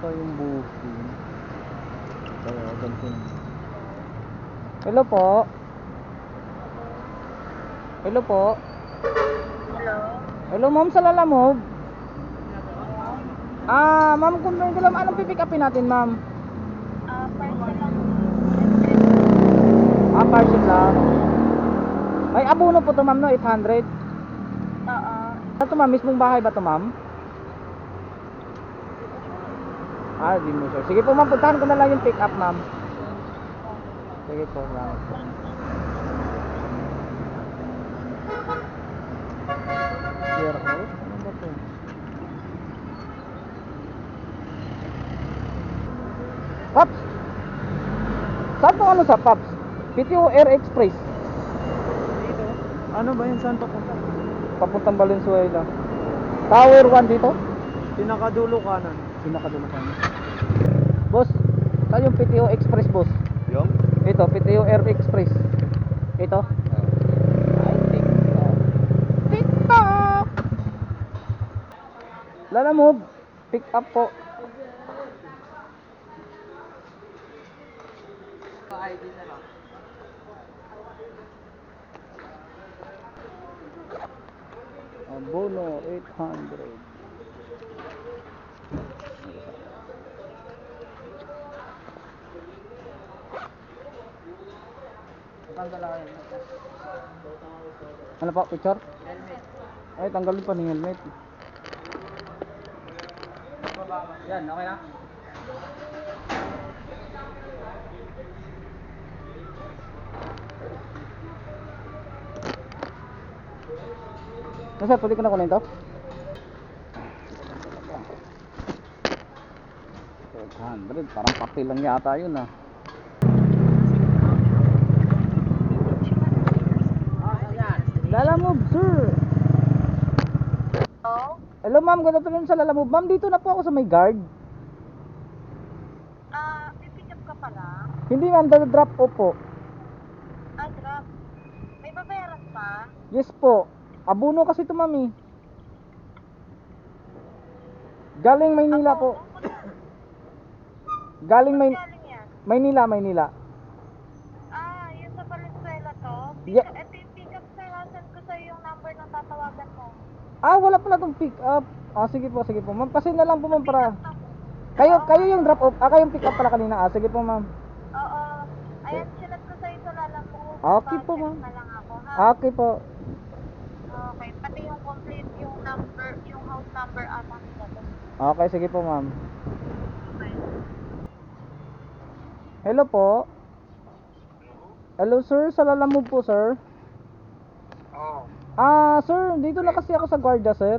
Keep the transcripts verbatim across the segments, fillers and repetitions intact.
tayong booking. Kaya ganito. Hello po. Hello po. Hello? Hello ma'am, sa Lalamove. Ah, ma'am, confirm ko lang, anong pipick upin natin, ma'am? Ah, parcel lang. Ah, parcel lang. May abono po to, ma'am, no? eight hundred. Oo. Ano to, ma'am? Mismong bahay ba to, ma'am? Ah, di mo sure. Sige po, ma'am, puntahan ko na lang yung pick up, ma'am. Sige po, salamat po. Here, oh, ano ba to? Pops! Saan po ano sa Pops? P T O Air Express. Dito? Ano ba yun? Saan papunta? Papuntang Valenzuela. Tower one dito? Pinakadulo kanan. Pinakadulo ka na. Boss, saan yung P T O Express, boss? Yung? Ito, P T O Air Express. Ito. Ay, TikTok. TikTok! Lalamove. Pick up po. Abono eight hundred. Ano po, picture? Helmet. Ay, tanggalin pa ng helmet. Yan, okay na? Ano sir, pwede ko na kunin to? eight hundred, parang papel lang yata yun ah. Lalamove, sir. Hello? Hello ma'am, good afternoon sa Lalamove. Ma'am, dito na po ako sa may guard. Ah, pipick up ka pala? Hindi ma'am, drop off po. Ah, drop. May babayaran pa? Yes po. Abono kasi ito ma'am eh. Galing Maynila po. Galing May Saan galing yan? Maynila, Maynila. Ah, yun sa Valenzuela to? Yeah. Pick, ito yung pick up sir, send ko sa'yo yung number ng tatawagan mo. Ah, wala pala tong pick up. Ah, sige po, sige po. Ma'am, pasin na lang po ma'am para. Pick up to. Kayo, Oo, kayo yung drop off. Ah, kayong pick up pala kanina. Ah, sige po ma'am. Oo. Ayan, sinat ko sa'yo sa lalang mo. Okay po, Pa-check ma'am. na lang ako, ha? Okay po. Okay, pati yung complete, yung number, yung house number ata nila to. Okay, sige po ma'am. Okay. Hello po. Hello sir, sa Lalamove po sir. Oo. Ah, sir, dito na kasi ako sa guardia sir.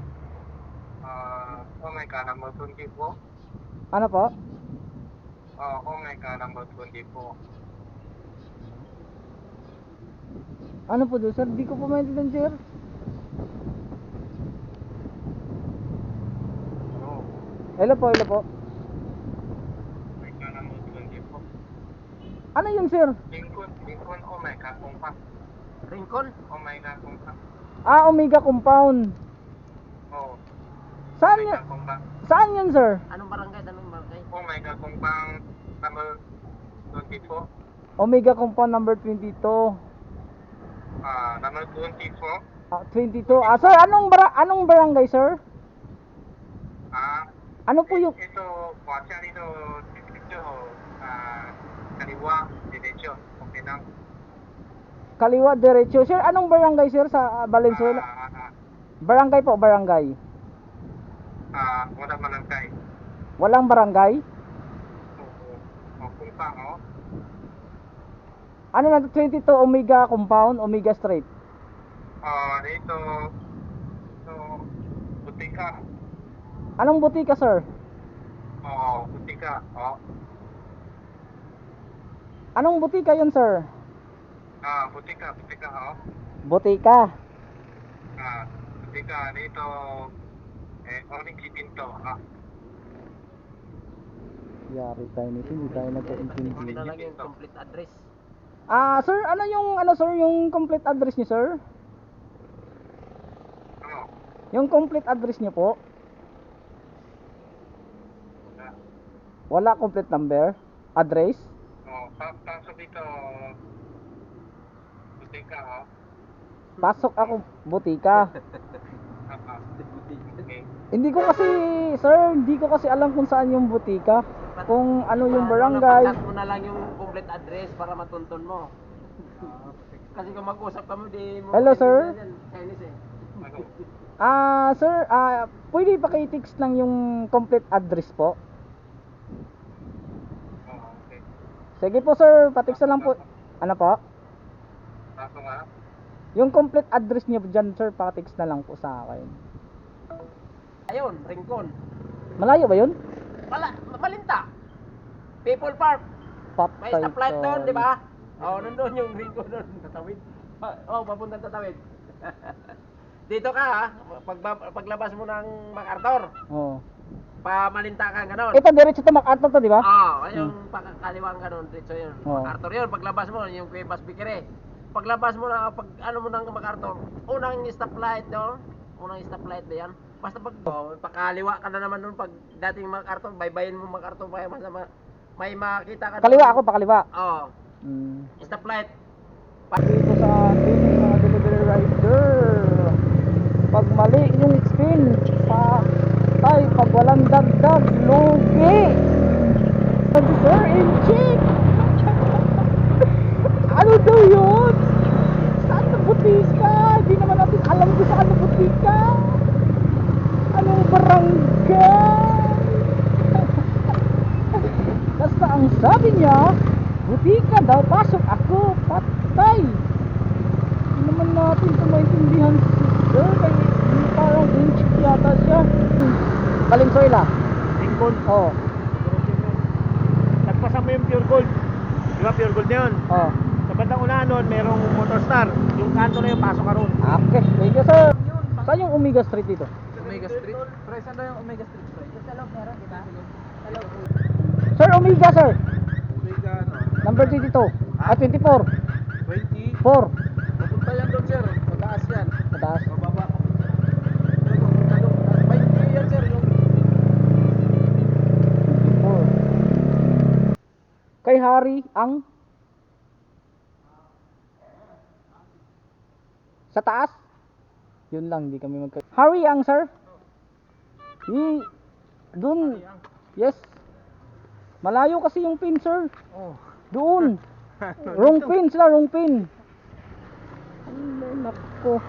Ah, oh my God, number twenty-four. Ano po? Oh, oh my God, number twenty-four. Ano po doon sir? Di ko po maintindihan sir. Oh, Hello po, hello po. oh my God, number twenty-four. Ano yun sir? Lincoln, Lincoln, oh my God, kumpa. Rincon? Oh my God, kumpa. Ah, Omega Compound. Oh, Saan oh my yun? God, kumpa. Saan yun sir? Anong barangay? Anong barangay? Oh my God, kumpang number twenty-four. Omega Compound number twenty-two. Ah, number twenty-four. Ah, twenty-two. Ah, sir, anong bara anong barangay sir? Ah, Ano po yung ito, kuwasya dito, dito, ah, kaliwa, diretso, okay lang. Kaliwa diretso? Sir, anong barangay sir sa ah, Valenzuela? Ah, ah, Barangay po, barangay. ah, wala malangkay. Walang barangay? Oo, oh, kumpang, oh. Ano na to, twenty-two Omega Compound, Omega Street. Ah, dito, so, butika. Anong butika sir? Oo, butika. Oo. Anong butika yun sir? Ah, butika, butika, oo. Butika. Ah, butika dito, eh, orange pinto, ah. Yari tayo nito, hindi tayo Ano nagkaintindi. na lang yung complete address? Ah, sir, ano yung ano sir, yung complete address niyo sir? Ano? Yung complete address niyo po? Ah, Wala complete number, address. Oh, pa pasok dito. Butika, oh. Pasok ako butika. Ah, ah. Okay. Hindi ko kasi, sir, hindi ko kasi alam kung saan yung butika. Kung ano yung barangay. Chat mo na lang yung complete address para matunton mo. Kasi kung mag-usap kami, di mo... Hello, sir. Chinese eh. Ano? Ah, sir, ah, pwede pa kayo text lang yung complete address po? Oh, okay. Sige po, sir, patext na lang po. Ano po? Pasok nga. Yung complete address niyo dyan, sir, patext na lang po sa akin. Ayun, Rincon. Malayo ba yun? Wala, Malinta. People Park. May Patay stoplight ka. doon, di ba? Oo, oh, nandun yung Rincon doon. Tatawid. Oo, oh, papuntang tatawid. Dito ka ha, pag, paglabas mo ng MacArthur, Oo. pa Malinta ka ganon. Ito, diretso to MacArthur to, di ba? Oo, oh, yung pakakaliwang ganon, dito yun. Oo. MacArthur yun, paglabas mo, yung Cuevas Bikere. Paglabas mo na, pag ano mo ng MacArthur, unang stoplight doon, unang stoplight ba yan? Basta pag, oh, pakaliwa ka na naman doon, pag dating MacArthur, baybayin mo MacArthur, may, masama, may makita ka doon. Kaliwa ako, pakaliwa. Oo, Hmm. stoplight. Dito sa ating mga delivery rider, pag mali yung spin, patay, pag walang dagdag, lugi. Sabi, sir, in check. Ano daw yun? Saan na butika? Hindi naman natin alam kung saan na butika. Anong barangay? Basta ang sabi niya, butika daw, pasok ako, patay. Hindi naman natin ito maintindihan si sir, kaya hindi parang inchik yata siya. Valenzuela. Lincoln. Oo. Nagpasa mo yung pure gold. Di ba pure gold na yun? Oo. Sa bandang unahan nun, merong motor star. Yung kanto na yun, pasok ka ron. Okay, thank you sir. Saan yung Omega Street dito? Omega Street? Pre, saan daw yung Omega Street, pre? Sa loob meron, di ba? Sa loob. Sir, Omega sir. Omega, ano? Number twenty-two. Ah, twenty-four. twenty. four. Papunta yan doon, sir. Mataas yan. Mataas. Mababa. twenty yan, sir. Yung four. Kay Hari ang sa taas. Yun lang, hindi kami magka... Hari ang sir. Hi. Doon. Yes. Malayo kasi yung pin, sir. Oh. Doon. Wrong pin sila, wrong pin. Ay, nako.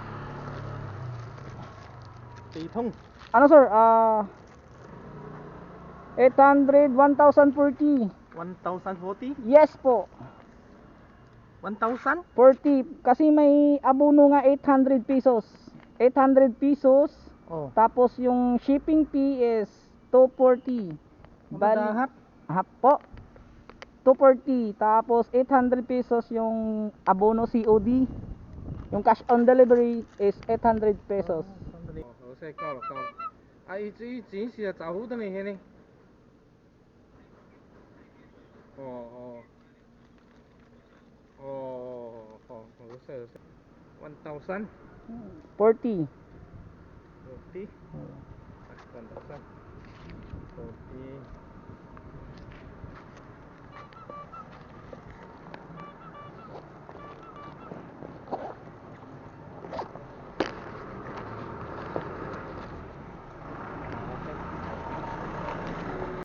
Titong. Ano sir? Ah... eight hundred, one thousand forty. one thousand forty? Yes po. one thousand? forty. Kasi may abono nga eight hundred pesos. eight hundred pesos. Oh. Tapos yung shipping fee is two forty. Bali, Half? half po. two forty. Tapos eight hundred pesos yung abono C O D. Yung cash on delivery is eight hundred pesos. 我现在到了到了，啊，一直一直是招呼的那些呢。哦哦哦哦哦，我识我识，one thousand forty. forty，one thousand。